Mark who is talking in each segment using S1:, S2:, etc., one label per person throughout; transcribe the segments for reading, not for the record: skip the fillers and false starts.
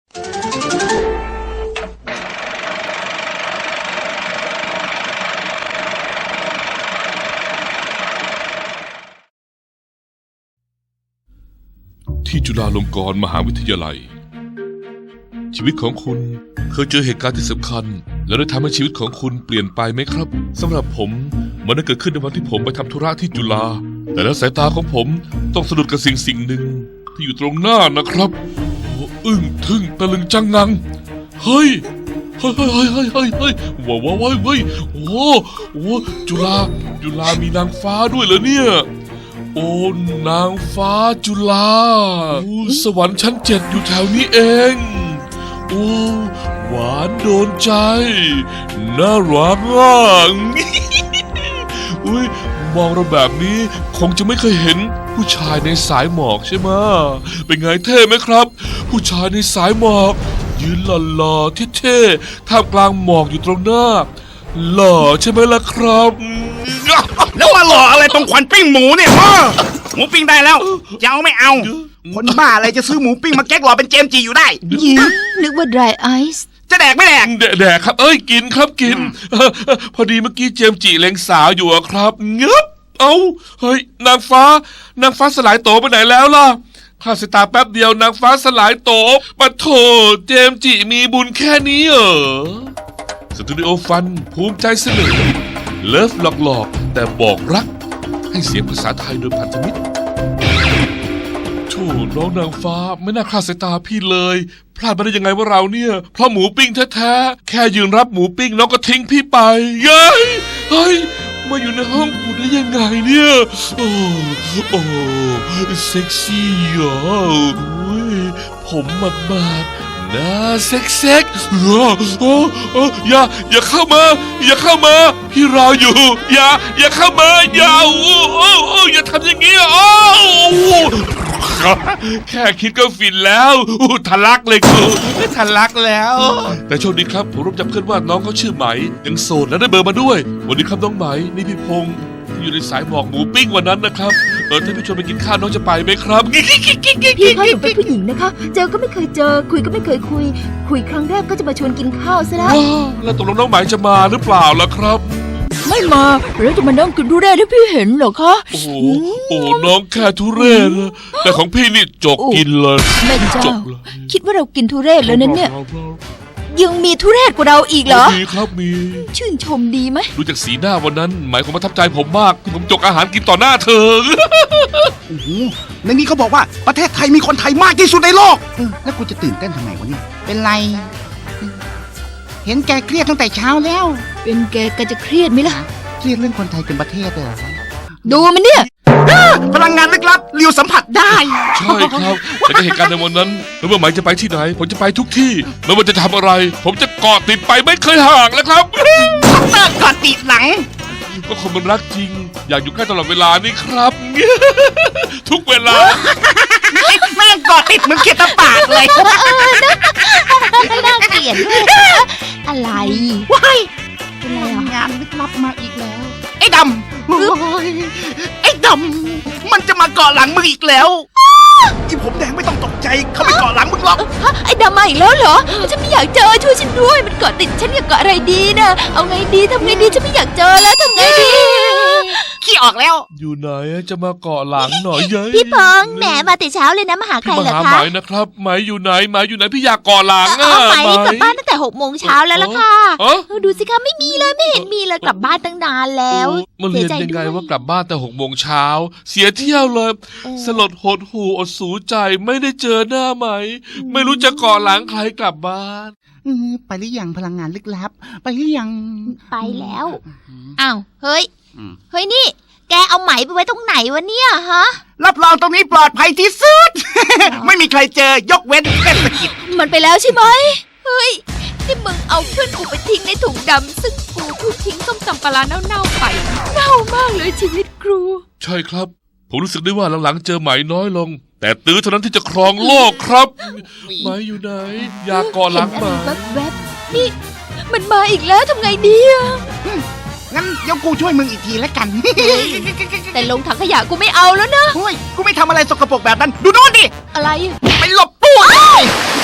S1: ที่จุฬาลงกรณ์มหาวิทยาลัยชีวิตของคุณเคยเจอเหตุการณ์ที่สำคัญแล้วได้ทำให้ชีวิตของคุณเปลี่ยนไปไหมครับสำหรับผมมันได้เกิดขึ้นในวันที่ผมไปทำธุระที่จุฬาแต่แล้วสายตาของผมต้องสะดุดกับสิ่งหนึ่งที่อยู่ตรงหน้านะครับโอ้อึ้งทึ่งตะลึงจังงังเฮ้ยว้าวโอ้จุฬามีนางฟ้าด้วยเหรอเนี่ยโอ้นางฟ้าจุฬาสวรรค์ชั้น7อยู่แถวนี้เองโอ้หวานโดนใจน่ารักอ่ะอุ้ยมองเราแบบนี้คงจะไม่เคยเห็นผู้ชายในสายหมอกใช่ไหมเป็นไงเท่ไหมครับผู้ชายในสายหมอกยืนหล่อๆเท่ๆท่ามกลางหมอกอยู่ตรงหน้าหล่อใช่ไหมล่ะครับ
S2: แล้วมาหล่ออะไรตรงควันปิ้งหมูเนี่ยหมูปิ้งได้แล้วจะเอาไม่เอาคนบ้าอะไรจะซื้อหมูปิ้งมาแก๊กหล่อเป็นเจมจีอยู่ได้
S3: นึกว่า dry ice
S2: จะแดกไม่แดก
S1: แดกครับกินครับกินพอดีเมื่อกี้เจมจีเล็งสาวอยู่ครับเงึบเฮ้ยนางฟ้าสลายโตไปไหนแล้วล่ะข้าสายตาแป๊บเดียวนางฟ้าสลายโตปะโถเจมจีมีบุญแค่นี้เหรอสตูดิโอฟันภูมิใจเสนอเลิฟหลอกแต่บอกรักให้เสียงภาษาไทยโดยพันธมิตรโธ่น้องนางฟ้าไม่น่าคลาดสายตาพี่เลยพลาดมาได้ยังไงว่าเราเนี่ยเพราะหมูปิ้งแท้ๆแค่ยืนรับหมูปิ้งน้องก็ทิ้งพี่ไปเฮ้ยมาอยู่ในห้องกูได้ยังไงเนี่ยโอ้เซ็กซี่อ่ะผมหมาดๆน่าเซ็กอย่าเข้ามาพี่รออยู่อย่าเข้ามาอย่าทำอย่างนี้แค่คิดก็ฟินแล้วทะลักเลยกูทะลักแล้วแต่โชคดีครับผมรู้จักเพื่อนว่าน้องเขาชื่อไหมยังโสดและได้เบอร์มาด้วยวันนี้ครับน้องไหมนี่พี่พงษ์ที่อยู่ในสายหมอกหมูปิ้งวันนั้นนะครับถ้าพี่ชวนไปกินข้าวน้องจะไปไหมครับ
S3: พี่เขาเป็นผู้หญิงนะคะเจอก็ไม่เคยเจอคุยก็ไม่เคยคุยครั้งแรกก็จะมาชวนกินข้าวซะแล้ว
S1: แล้วตกลงน้องไหมจะมาหรือเปล่าล่ะครับ
S3: ไม่มาแล้วจะมานั่งกินทุเรศให้พี่เห็นเหรอคะ
S1: โอ้น้องแค่ทุเรศแต่ของพี่นี่จกกินเลย
S3: แม่เจ้าคิดว่าเรากินทุเรศแล้วนั้นเนี่ยยังมีทุเรศกว่าเราอีกเหรอ
S1: มีครับมี
S3: ชื่นชมดีไหม
S1: ดูจากสีหน้าวันนั้นหมายความประทับใจผมมากที่ผมจกอาหารกินต่อหน้าเธอ
S2: โอ้โหในนี้เขาบอกว่าประเทศไทยมีคนไทยมากที่สุดในโลกแล้วกูจะตื่นเต้นทำไมวะเนี่ยเป็นไรเห็นแกเครียดตั้งแต่เช้าแล้ว
S3: เป็นแกจะเครียดไหมล่ะ
S2: เครียดเรื่องคนไทยเป็นประเทศเหรอ
S3: ดูมันเนี่ย
S2: พลังงานลึกลับเรียวสัมผัสได้
S1: ใช่ครับแต่ในเหตุการณ์ในวันนั้นไม่ว่าหมายจะไปที่ไหนผมจะไปทุกที่ไม่ว่าจะทำอะไรผมจะเกาะติดไปไม่เคยห่างแล้วครับ
S2: เกาะติดหลัง
S1: ก็คนมันรักจริงอยากอยู่ใกล้ตลอดเวลานี่ครับทุกเวลา
S2: แม่งเกาะติดเหมือนเขียดตะปาดเลย
S3: น่าเกลียดด้วยอะไร
S2: ว้ายงานลึกลับมาอีกแล้วไอ้ดำมันจะมาเกาะหลังมึงอีกแล้วที่ผมแดงไม่ต้องตกใจเขาไม่เกาะหลังมึงหรอก
S3: ไอ้ดำมาอีกแล้วเหรอฉันไม่อยากเจอช่วยฉันด้วยมันเกาะติดฉันอยากเกาะอะไรดีนะเอาไงดีทำไงดีฉันไม่อยากเจอแล้วทำไงดี
S2: ขี้ออกแล้ว
S1: อยู่ไหนจะมาเกาะหลังหน่อยยัย
S3: พี่พงษ์แหมมาแต่เช้าเลยนะมาหาใครเหรอคะ
S1: มาหาไหมนะครับไหมอยู่ไหนพี่อยากเกาะหลัง
S3: ไหมกลับบ้านตั้งแต่6 โมงเช้าแล้วล่ะค่ะดูสิคะไม่มีเลยไม่เห็นมีเลยกลับบ้านตั้งนานแล้ว
S1: มาเรียนยังไงว่ากลับบ้านแต่6 โมงเช้าเสียเที่ยวเลยสลดหดหูอดสูใจไม่ได้เจอหน้าไหมไม่รู้จะเกาะหลังใครกลับบ้าน
S2: ไปหรือยังพลังงานลึกลับไปหรือยัง
S3: ไปแล้วอ้าวเฮ้ยนี่แกเอาไหมไปไว้ตรงไหนวะเนี่ยฮะ
S2: รับรองตรงนี้ปลอดภัยที่สุด ไม่มีใครเจอยกเว้นเทศกิจ
S3: มันไปแล้วใช่ไหมเฮ้ยที่มึงเอาเพื่อนกูไปทิ้งในถุงดำซึ่งกูเพิ่งทิ้งส้มตำปลาเน่าๆไปเน่ามากเลยชีวิตครู
S1: ใช่ครับผมรู้สึกได้ว่าหลังๆเจอไหมน้อยลงแต่ตื้อเท่านั้นที่จะครองโลกครับไหมอยู่ไหนอยากเกาะหลังมา
S3: แวบๆนี่มันมาอีกแล้วทำไงดีอะ
S2: งั้นเดี๋ยวกูช่วยมึงอีกทีแล้วกัน
S3: แต่ลงถังขยะกูไม่เอาแล้วนะ
S2: กูไม่ทำอะไรสกปรกแบบนั้นดูโน่นดิ
S3: อะไร
S2: ไปหลบตู้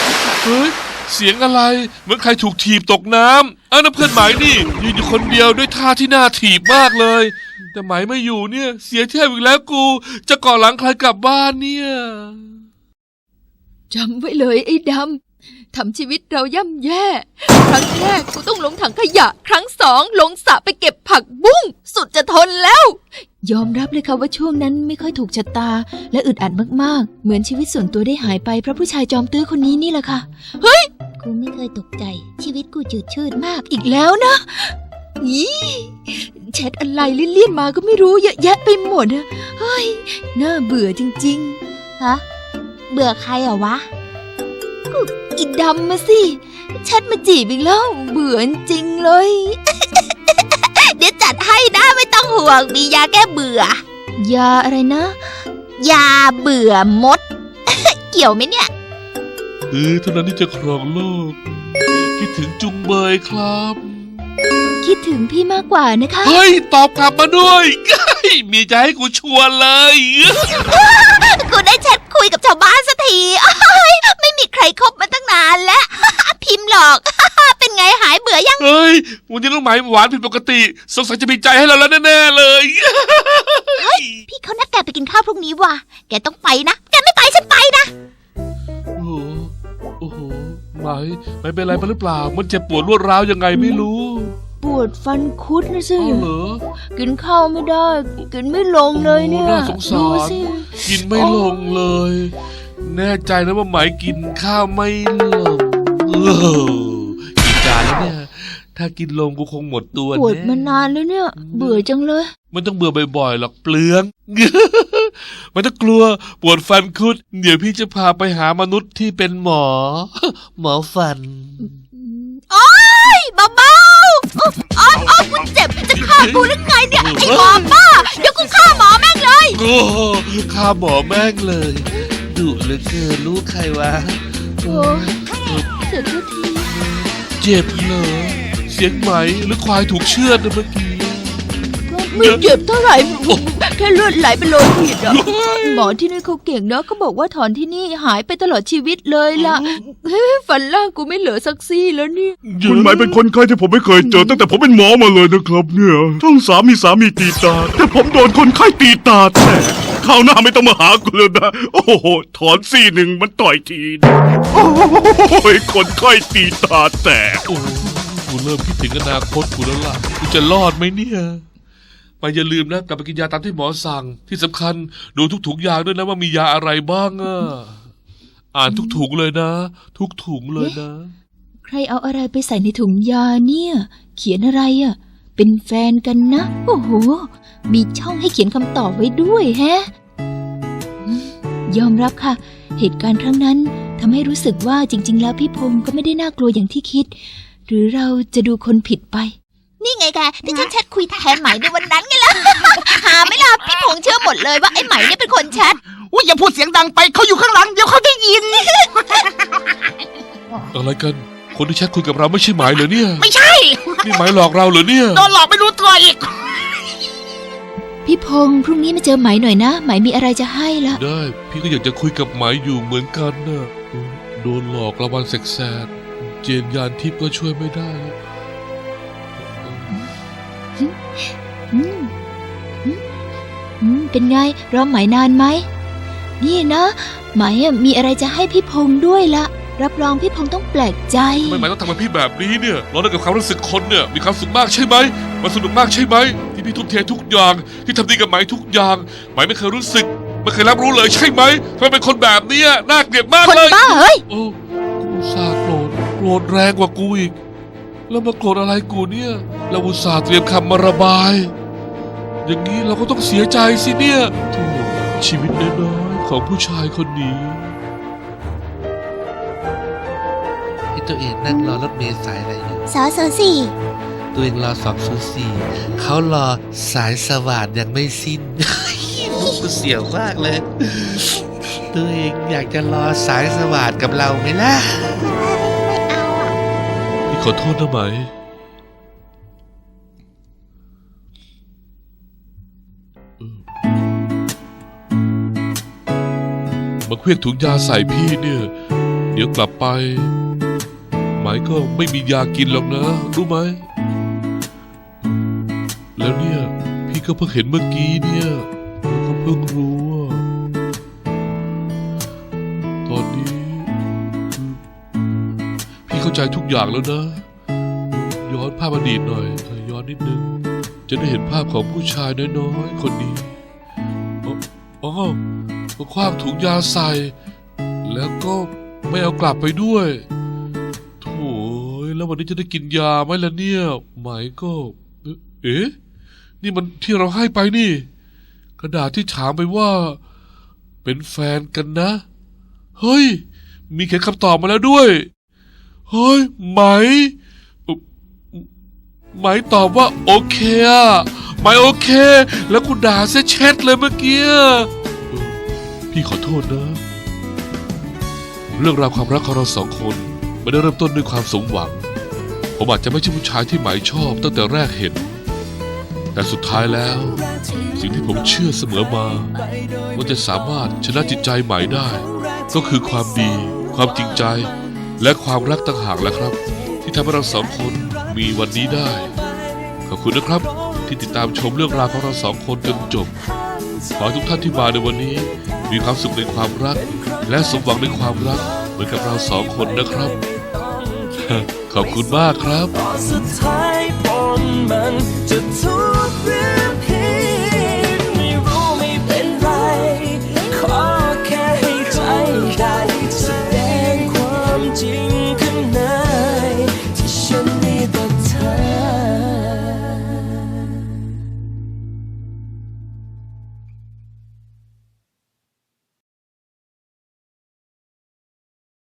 S1: เฮ้ยเสียงอะไรเหมือนใครถูกถีบตกน้ำนั่นเพื่อนไหมนี่ยืนอยู่คนเดียวด้วยท่าที่น่าถีบมากเลย แต่ไหมไม่อยู่เนี่ย เสียเที่ยวอีกแล้วกู จะก่อหลังใครกลับบ้านเนี่ย
S3: จำไว้เลยไอ้ดำทำชีวิตเราย่ำแย่ ครั้งแรกกูต้องลงถังขยะ ครั้งสองลงสระไปเก็บผักบุ้งสุดจะทนแล้ว ยอมรับเลยค่ะว่าช่วงนั้นไม่ค่อยถูกชะตา และอึดอัดมากๆเหมือนชีวิตส่วนตัวได้หายไปเพราะผู้ชายจอมตื้อคนนี้นี่แหละค่ะเฮ้ยกูไม่เคยตกใจชีวิตกูจืดชืดมากอีกแล้วนะอีแชทอะไรเลี่ยนๆมาก็ไม่รู้เยอะแยะไปหมดอะเฮ้ยน่าเบื่อจริงๆฮะเบื่อใครเหรอวะก็อีดำมาสิแชทมาจีบอีกแล้วเบื่อจริงเลย เดี๋ยวจัดให้นะไม่ต้องห่วงมียาแก้เบื่อยาอะไรนะ ยาเบื่อมด เกี่ยวไหมเนี่ย
S1: เท่านั้นที่จะครองโลกคิดถึงจุงเบยครับ
S3: คิดถึงพี่มากกว่านะคะ
S1: เฮ้ยตอบกลับมาด้วยมีใจให้กูชวนเลย
S3: กูได้แชทคุยกับชาวบ้านสักทีไม่มีใครคบมาตั้งนานแล้ว พิมพ์หลอก เป็นไงหายเบื่อยัง
S1: เฮ้ยวันนี้น้องไหมหวานผิดปกติสงสัยจะมีใจให้เราแล้วแน่ๆเลย
S3: เฮ้ยพี่เขานัดแกไปกินข้าวพรุ่งนี้ว่ะแกต้องไปนะแกไม่ไปฉันไปนะ
S1: โอ้โหไหมไม่เป็นไรไปหรือเปล่ามันเจ็บปวดรวดร้าวยังไงไม่รู้
S3: ปวดฟันคุดนะสิ
S1: เหรอ
S3: กินข้าวไม่ได้กินไม่ลงเลยเนี่ย
S1: น่าสงสารกินไม่ลงเลยแน่ใจนะว่าไหมกินข้าวไม่ลงกี่จานแล้วเนี่ยถ้ากินลงกูคงหมดตัว
S3: ปวดมานานแล้วเนี่ยเบื่อจังเลย
S1: มันต้องเบื่อบ่อยๆหรอกเปลือง มันต้องกลัวปวดฟันคุดเดี๋ยวพี่จะพาไปหามนุษย์ที่เป็นหมอ หมอฟัน
S3: โอ๊ยเบาๆอ๋อกูเจ็บจะฆ่ากูหรือไงเนี่ยไอ้หมอบ้าเดี๋ยวกูฆ่าหมอแม่งเลย
S1: โอ้ฆ่าหมอแม่งเลยดุเหลือเกินรู้ใครวะ
S3: โอ้เจ็บทุกที
S1: เจ็บเหรอเสียงไหมหรือควายถูกเชือดเมื่อกี้
S3: ไม่เจ็บเท่าไหร่แค่เลือดไหลเป็นโลหิตอ่ะหมอที่นี่เขาเก่งนะเขาบอกว่าถอนที่นี่หายไปตลอดชีวิตเลยล่ะฟันล่างกูไม่เหลือสักซี่แล้วนี่
S4: คุณหมายเป็นคนไข้ที่ผมไม่เคยเจอตั้งแต่ผมเป็นหมอมาเลยนะครับเนี่ยทั้งสามีตีตาแต่ผมโดนคนไข้ตีตาแตกคราวหน้าไม่ต้องมาหากูเลยนะโอ้โหถอนซี่หนึ่งมันต่อยทีโอ้ยคนไข้ตีตาแตก
S1: โอ้กูเริ่มคิดถึงอนาคตกูแล้วล่ะกูจะรอดไหมเนี่ยไปอย่าลืมนะกลับไปกินยาตามที่หมอสั่งที่สำคัญดูทุกถุงยาด้วยนะว่ามียาอะไรบ้างอ่านทุกถุงเลยนะทุกถุงเลยนะ
S3: ใครเอาอะไรไปใส่ในถุงยาเนี่ยเขียนอะไรอ่ะเป็นแฟนกันนะโอ้โหมีช่องให้เขียนคำตอบไว้ด้วยแฮะยอมรับค่ะเหตุการณ์ครั้งนั้นทำให้รู้สึกว่าจริงๆแล้วพี่พงศ์ก็ไม่ได้น่ากลัวอย่างที่คิดหรือเราจะดูคนผิดไปนี่ไงแกที่ฉันแชทคุยแทนไหมในวันนั้นไงล่ะหาไม่ล่ะพี่พงษ์เชื่อหมดเลยว่าไอ้ไหมเนี่ยเป็นคนแชท
S2: อุ้ยอย่าพูดเสียงดังไปเขาอยู่ข้างหลังเดี๋ยวเขาได้ยิน
S1: อะไรกันคนที่แชทคุยกับเราไม่ใช่ไหมเหรอเนี่ย
S2: ไม่ใช่
S1: นี่ไหมหลอกเราเหรอเนี่ย
S2: โดนหลอกไม่รู้ตัวอีก
S3: พี่พงษ์พรุ่งนี้มาเจอไหมหน่อยนะไหมมีอะไรจะให้ละ
S1: ได้พี่ก็อยากจะคุยกับไหมอยู่เหมือนกันนะโดนหลอกระวันแสกๆเจนยานทิพย์ก็ช่วยไม่ได้
S3: เป็นไงรอไหมนานไหมนี่นะไหมมีอะไรจะให้พี่พงษ์ด้วยละรับรองพี่พงษ์ต้องแปลกใจ
S1: ทำไมไหมต้องทำกับพี่แบบนี้เนี่ยเราได้กับความรู้สึกคนเนี่ยมีความสุขมากใช่ไหมมันสนุกมากใช่ไหมที่พี่ทุ่มเททุกอย่างที่ทำดีกับไหมทุกอย่างไหมไม่เคยรู้สึกไม่เคยรับรู้เลยใช่ไหมทำไมเป็นคนแบบนี้น่าเกลียดมากเลย
S3: คนบ้าเฮ้ย
S1: โอ้กูซาโกรธแรงกว่ากูอีกแล้วมาโกรธอะไรกูเนี่ยเราอุตส่าห์เตรียมคำมาระบายอย่างนี้เราก็ต้องเสียใจสิเนี่ยโธ่ชีวิตน้อยๆของผู้ชายคนนี้
S5: ที่ตัวเองนั่งรอรถเมล์สายอะไรอยู่
S3: 204
S5: ตัวเองรอ204เขารอสายสว่านยังไม่สิ้นมุกกูเสียวมากเลยตัวเองอยากจะรอสายสว่านกับเราไหมล่ะ
S1: พี่ขอโทษนะไหมมาเคลื่อนถุงยาใส่พี่เนี่ยเดี๋ยวกลับไปไหมก็ไม่มียากินหรอกนะรู้ไหมแล้วเนี่ยพี่ก็เพิ่งเห็นเมื่อกี้เนี่ยแล้วก็เพิ่งรู้ว่าตอนนี้พี่เข้าใจทุกอย่างแล้วนะ ย้อนภาพอดีตหน่อยย้อนนิดนึงจะได้เห็นภาพของผู้ชายน้อยๆคนนี้อ๋อก็คว้างถุงยาใส่แล้วก็ไม่เอากลับไปด้วยโถ่แล้ววันนี้จะได้กินยาไหมล่ะเนี่ยไหมก็เอ๊ะนี่มันที่เราให้ไปนี่กระดาษที่ถามไปว่าเป็นแฟนกันนะเฮ้ยมีเขียนคำตอบมาแล้วด้วยเฮ้ยไหมตอบว่าโอเคอะไหมโอเค แล้วกูด่าเสียเช็ดเลยเมื่อกี้พี่ขอโทษนะ เรื่องราวความรักของเราสองคนไม่ได้เริ่มต้นด้วยความสมหวังผมอาจจะไม่ใช่ผู้ชายที่ไหมชอบตั้งแต่แรกเห็นแต่สุดท้ายแล้วสิ่งที่ผมเชื่อเสมอมาว่าจะสามารถชนะจิตใจไหมได้ก็คือความดีความจริงใจและความรักต่างหากแหละครับที่ทำให้เราสองคนมีวันนี้ได้ขอบคุณนะครับที่ติดตามชมเรื่องราวของเราสองคนจนจบขอให้ทุกท่านที่มาในวันนี้มีความสุขในความรักและสมหวังในความรักเหมือนกับเราสองคนนะครับ ขอบคุณมากครับ
S6: สุดท้ายปนมันจะทุกเรื่อง